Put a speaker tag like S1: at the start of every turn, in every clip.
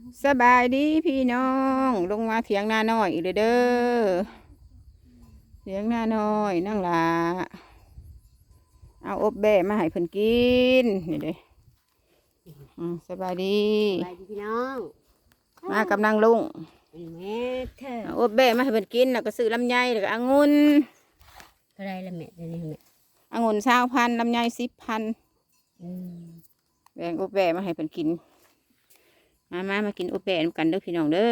S1: สบายดีพี่น้องลงมาเถียงนาน้อยอีกเลยเด้อเถียงนาน้อยนั่งหลาเอาอบแบะมาให้เพิ่นกินนี่เด้สบายดี
S2: ไปพี่น้อง
S1: มากำลังลุง
S2: แม่เธอ
S1: เอาอบแบะมาให้เพิ่นกินแล้วก็ซื้อลำไยแล้วก็องุ่น
S2: อะไรละแม่เดี๋ยวนี้แม่
S1: องุ่น20,000ลำไย10,000แบ่งอบแบะมาให้เพิ่นกินมากินอบแบะกันเด้อพี่น้องเด้อ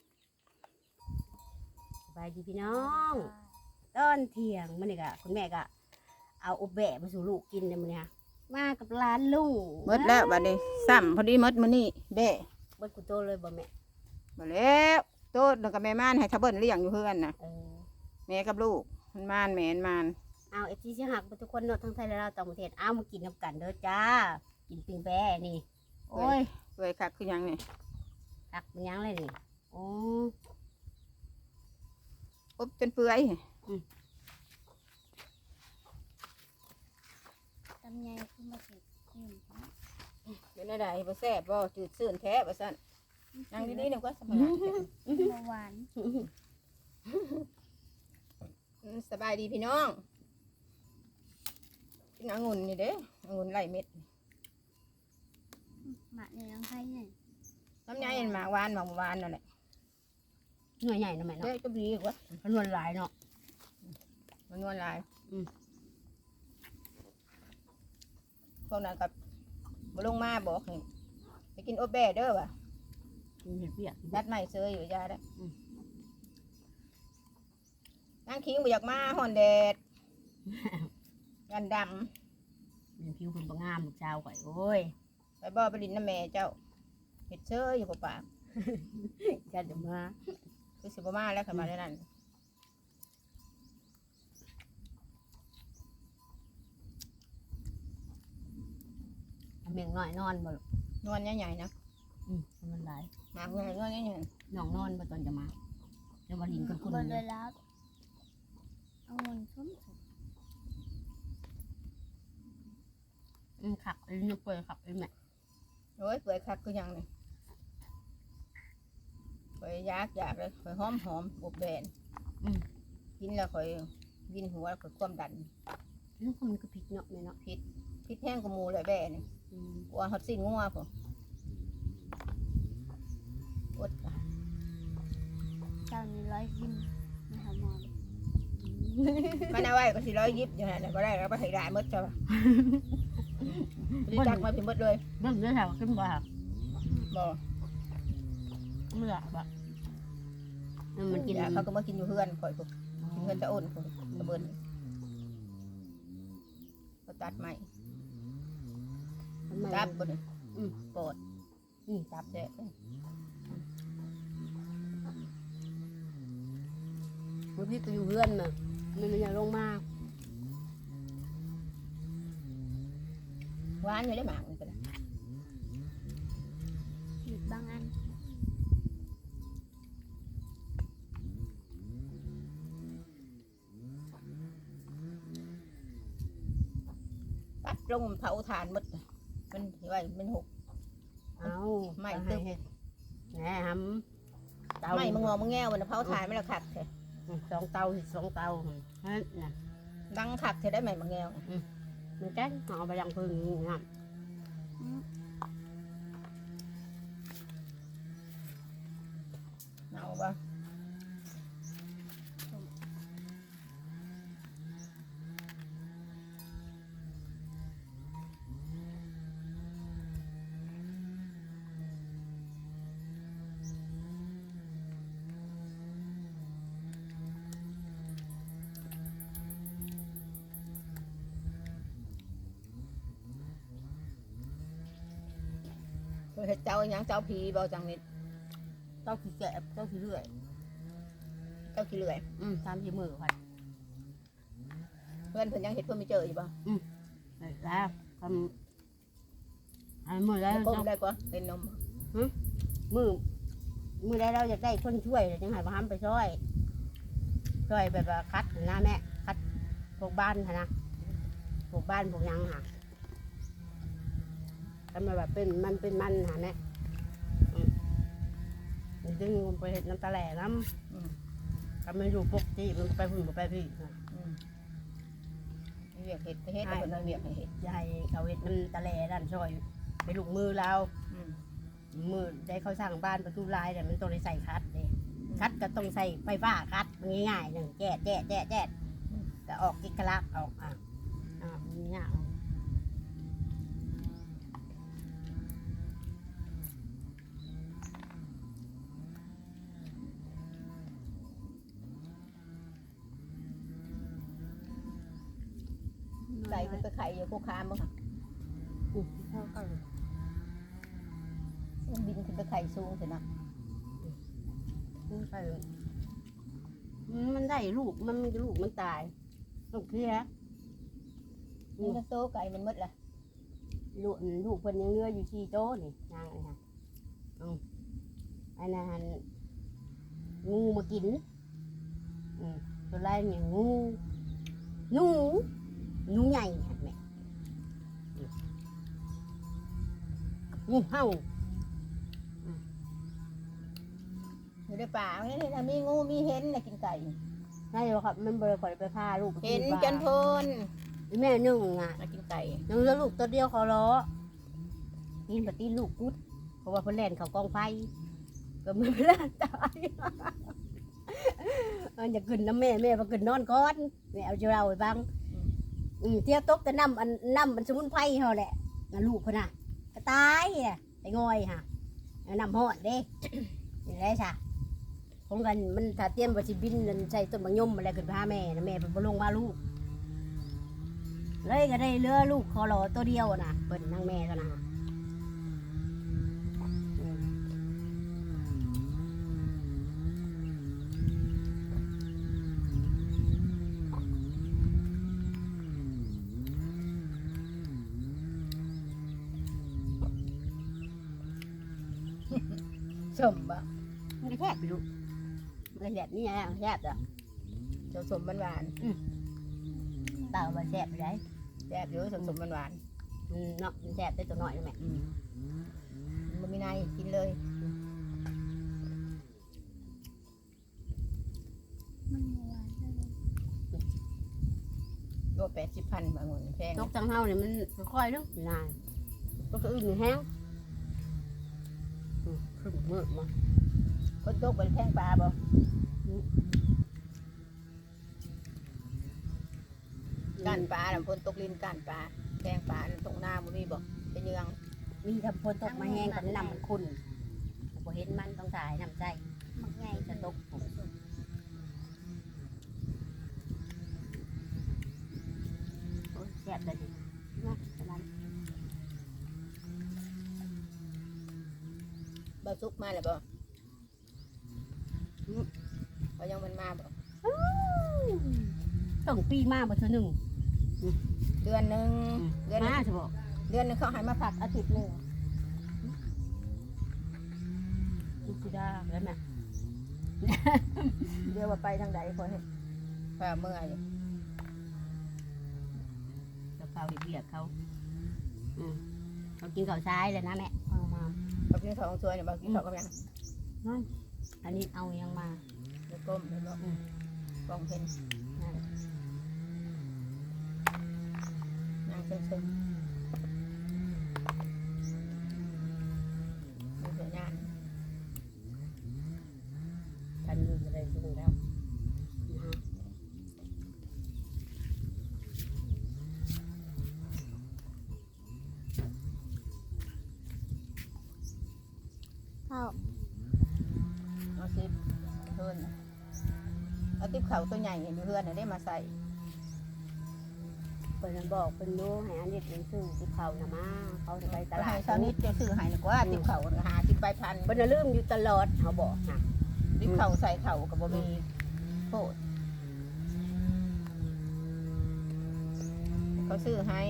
S2: ไปพี่น้องตอนเที่ยงมันนี่กะคุณแม่ก็เอาอบแบะมาสู่ลูกกินเลยมันเนี่ยมากับร้านลุง
S1: หมดแล้วบัดนี้ซ้ำพอดีหมดมื้อนี้แบะ
S2: เบิดกูโตเลยบ่แม่
S1: บ่แล้วโตดแล้วก็แม่ม่านให้ทะเบิ้นเลี้ยงอยู่เฮือนน่ะแม่กับลูกมันม่านแม่นม่าน
S2: เอาเอฟซีสิหักทุกคนเนาะทั้งไทยและลาวต่างประเทศเอามากินน้ำกันเด้อจ้ากินปิ้งแบะนี่
S1: โอ้ยเปื่อยคักคือหยังนี่
S2: หักเป็นยังเลยนี่โอ้
S1: อบจนเปื่อย
S3: ตำไยขึ้นมาสิ
S1: เป็นอะไรบ่แซ่บบ่จืดซื่นแท้บ่ซั่นนั่งดีๆนี่ก็สบาย
S3: หวาน
S1: สบายดีพี่น้องกินองุ่นนี่เด้องุ่นไล่เม็ด
S3: หมักในน้ำไผ่เนี่ย
S1: น้ำยาเย็นหมากหวานนั่นแหละ
S2: หน่วยใหญ่นะแม่เนาะ
S1: เด้ก็ดีกว่า
S2: มันนวลหลายเนาะ
S1: มันนวลลายพวกนั้นกับบ่ลงมาบอกให้ไปกินอบแบะเด้อว่ะ
S2: เห็ดเปียก
S1: นัดใหม่เซยอยู่ยาได้นั่งคิงบ่อยากมาฮ้อนแดดกันดำ
S2: เป็นผิวคนบางงามลูกชาวก่อยโอ้ย
S1: ไปบ่ไปดินน้ำแม่เจ้าเห็ดเชยอยู่กับปาก
S2: กันจะมา
S1: คือสิบมาแล้วค่ะมาได้นั่น
S2: เมียงน้อยนอนบ่
S1: นวลใหญ่ๆนะ
S2: มันหลาย
S1: หมากใหญ่นวลใหญ่
S2: น้องนอนบ่ตอนจะมาจะมาลินกันคุณ
S3: เลยแล้วเอาเงินชุ่ม
S2: ขับนึกเปิดขับไอ้แม่
S1: โอ้ยเปื่อยคักคือยังนี่ข่อยอยากเลยข่อยหอมอบแบนกินแล้วข่อยวินหัวข่อยความดัน
S2: นี่มันก็ผิดเนาะแม่เนาะ
S1: ผิดแห้งกับหมูเลยแบนนี่กลัวฮอตซิ่งงัวผมอด
S3: เจ้านี่100 ยิ้มไม่ทำมอน
S1: มันเอาไว้ก็400 ยิบอย่างนั้นก็ได้แล้วก็ให้ได้หมดจ้ะจักมาเป็นหมดเลย
S2: เบิ่งด้วยแถวขึ้นบ่
S1: บ่
S2: ไม่อยากแบบมันกิน
S1: เขาก็มากินอยู่เฮือนข่อยปุ๊บกินเฮือนจะอ้นผมตะเบินก็ตัดใหม่ตับบ่เนี่ยปอดตับแดด
S2: เมื่อพี่ก็อยู่เฮือนน่ะมันอยากลงมา
S1: หวานอยู่ได้หมากมันก็ได้
S3: หยุดบางอัน
S1: ปัดลงเผาถ่านหมดมันที่ว่ามันหก
S2: เอา
S1: ไม่ตึ๊บ
S2: แหน่ฮัม
S1: ไม่มึงงอมึงแง่วันเผาถ่านไม่ละขัดเถอะ
S2: 2 เตา2 เตาน่ะ
S1: ดังขัดเถอะได้ไหมมึงแง่
S2: มันแจ้งเอาไปยังพึ่งงาม
S1: เอาบ่เห็ดเจ้าอย่างเจ้าผีเบาจังนิด
S2: เจ้าขี้แกะเจ้าขี้เลื่อย
S1: เจ้าขี้เลื่อย
S2: 3-4 มื้อค่ะ
S1: เพื่อนเพิ่นยังเห็ดเพิ่นไม่เจออยู่ป่ะ
S2: แล้วทำมื้อได้
S1: ก้มได้ป่ะเป็นนม
S2: มื้อได้เราอยากได้คนช่วยจังให้บ่ทำไปช่วยแบบว่าคัดนะแม่คัดพวกบ้านนะพวกบ้านพวกยังค่ะทำมาแบบเป็นมันหาแม่ดึงมันไปเห็ดน้ำตาแหล่น้
S1: อืม
S2: ำทำมันอยู่ปกติมันไปพุ่นไปพี่
S1: อืมเวียกเห็ดไปเห็ดแล้วคนเอาเวียกให้เห็ด
S2: ยายเขาเห็ดน้ำตาแหล่ด้านซอยไปลูกมือเรา
S1: อืม
S2: มือได้เขาสร้างบ้านประตูลายเนี่ยมันต้องได้ใส่คัดเลยคัดก็ต้องใส่ไฟฟ้าคัดมันง่ายๆหนึ่งแจ๊ดก็ออกกิกลักออกนี่เนี่ย
S1: ไก่มันไปไข่อยู่โคคามบ้างค่ะ
S2: เท่ากัน
S1: มันบินขึ้นไปไข่สูงเถอะนะ
S2: ใส่มันได้ลูกมันลูกมันตายลูกเพี้ย
S1: นี่ก็โตไก่มันหมดละ
S2: ลูกเพิ่นยังเนื้ออยู่ที่โต๊ะนี่นางไอ้ฮะอันนั้นงูมากินตัวแรกเนี่ยงูใหญ่ฮะแม่งูเห่า
S1: อยู่ในป่าเนี่ยถ้ามีงูมีเห็นน่ะกินไก่
S2: ใช่ครับมันบริคอยไปพาลูก
S1: เห็นจนพน
S2: แม่นึ่งอ่ะ
S1: มากินไก่
S2: ยังเหลือลูกตัวเดียวเขาล้อกินปฏิลูกกุดเพราะว่าเพิ่นแล่นเขากองไฟก็มือเล่นตายอย่าขึ้นน้ำแม่มาขึ้นนอนก่อนแม่เอาจะเราไปบ้างเที่ยวตกแต่น้ำสมุนไพรเขาแหละลูกเพิ่นน่ะก็ตายอ่ะไอ้งอยค่ะน้ำหอดเด้อย่างไรจ้ะของกันมันถ้าเตรียมว่าสิบินใส่ต้นมะยมอะไรขึ้นพาแม่นะแม่เป็นบ่ลงมาลูกเลยก็ได้เลือลูกคอรอตัวเดียวนะเปิดนางแม่ก็นะ
S1: สมบ่
S2: มันก็แทบไปลูกมันแทบนี่ไงแทบอ่ะ
S1: เจ้าสมหวาน
S2: เต่ามาแทบไปได้
S1: ๆแซ่บอยู่สมหวาน
S2: เนาะมันแทบได้ตัวน้อยนะแม่
S1: ๆมันมีในกินเลย
S3: มันหวานเลย
S1: โล80,000บางคนแพง
S2: นกจังเฮาเนี่ยมันค่อยๆเนาะนานก็คืออื่นแห้งขึ้นมืดมา
S1: คนตกเป็นแพงปลาบ่ก้านปลาน่ะคนตกลิ้นก้านปลาแพงปลาตรงหน้าบ่มีบ่เป็นยัง
S2: มีทำพนตกมาแห้งกับน้ำมันขุ่นพอเห็นมันต้องถ่ายน้ำใจ
S3: หมักใหญ่
S2: จะตกแซ่บเลยดินะประมาณ
S1: บ่สุกมาแล้วบ่เขายังมันมาบ่
S2: ต้องปีมากมาเท่านึง
S1: เดือนหนึงเดือนหนึ
S2: มาง จะบอก
S1: เดือนหนึงเขาให้มาผักอาทิตย์หนึง
S2: ลูกดาแล้วแม่
S1: เดี๋ยวว่าไปทางใดคนเห็นฝ่าเมื่อย
S2: กับเขาเบียดเขาเขากินข้าวซ้ายเลยนะแม่เอามา
S1: บ่กินข้าวของสวยเนี่ยบ่กินข้าวกับหยัง
S2: อันนี้เอายังมา
S1: เดี๋ยวก้มเดี๋ยวบ่กล้องเห็นนางเชิงๆมีแต่งาน
S2: ทันอยู่อะไรดูแล้วนะฮะ
S3: ข้าว
S1: เอาซิปเพิ่นเอาติ๊บเขาตัวใหญ่อยู่เพื่อนน่ะได้มาใส่
S2: เป็นบอกเป็นรู้ให้อันนี้เป็นซื้อที่เขานะมาเขาจะไปต
S1: ต
S2: ลา
S1: ลา
S2: ด
S1: ดเช้านี้จะซื้อให้ดีกว่าติ๊บเขาหาติ๊บใบพัน
S2: เป็นลืมอยู่ตลอดเขาบอกนะ
S1: ติ๊บเขาใส่เข่ากับบ่มีโทษเขาซื้อให้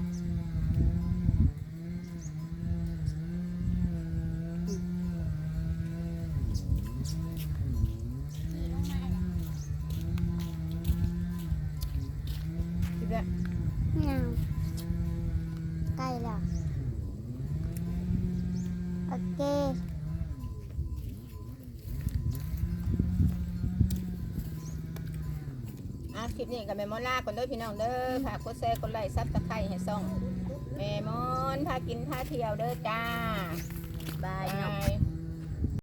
S3: ขี่ลงมาเลย
S1: คิดว่า
S3: ไม่เอาใกล้แล้วโอเค
S1: คลิปนี้กับแม่มอนลาก่อนเด้อพี่น้องเด้อฝากกดแชร์กดไลค์ซับสไครต์ให้ซ่องแม่มอนพากินพาเที่ยวเด้อจ้า
S2: บาย
S1: บ
S2: เนาะ
S1: าย